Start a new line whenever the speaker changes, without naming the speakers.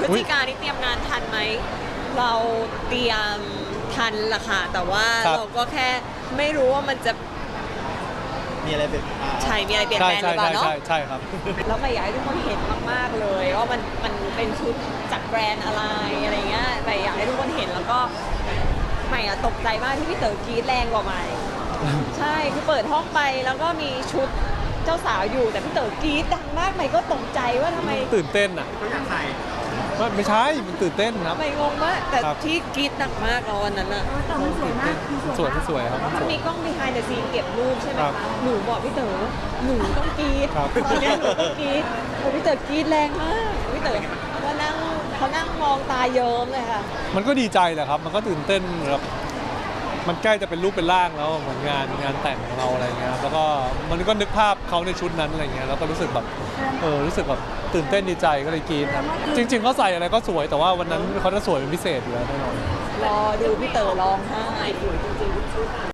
ฤศจิกายนนี่เตรียมงานทันไหมเราเตรียมทันละค่ะแต่ว่าเราก็แค่ไม่รู้ว่ามันจะ
มีอะไรเป็น
ใช่มีอะไรเปลี่ยนแปลงหรือเปล่าเนาะ
ใช่ครับ
แล้วใหม่อยากให้ทุกคนเห็นมากๆเลยว่ามันเป็นชุดจากแบรนด์อะไรเงี้ยใหม่อยากให้ทุกคนเห็นแล้วก็ใหม่ตกใจมากที่พี่เต๋อกรี๊ดแรงกว่าใหม่ใช่คือเปิดห้องไปแล้วก็มีชุดเจ้าสาวอยู่แต่พี่เต๋อกรี๊ดดังมากใหม่ก็ตกใจว่าทำไม
ตื่นเต้นอ่ะ
ก็อยากใส่
ไม่ใช่มันตื่นเต้นครับ
ใหม่งงมากแต่ที่กรี๊ดหนักมากตอนนั้นอ่ะ
แต่มันสวยมาก
สวยครับ
มันมีกล้อง behind the scene เก็บรูปใช่ไหมคะหนูบอกพี่เต๋อหนูต้องกรี๊ดตอนนี้หนูต้องกรี๊ดพี่เต๋อกรี๊ดแรงมากพี่เต๋อเขานั่งมองตาเยิ้มเลยค่ะ
มันก็ดีใจแหละครับมันก็ตื่นเต้นแบบมันใกล้จะเป็นรูปเป็นร่างแล้วเหมือนงานแต่งของเราอะไรเงี้ยแล้วก็มันก็นึกภาพเขาในชุดนั้นอะไรเงี้ยแล้วก็รู้สึกแบบรู้สึกแบบตื่นเต้นดีใจก็เลยกรี๊ดจริงๆเขาใส่อะไรก็สวยแต่ว่าวันนั้นเขาจะสวยเป็นพิเศษอยู่แล้วแน่นอน
รอดูพี่เต๋อร้องไห้สวยจริงๆ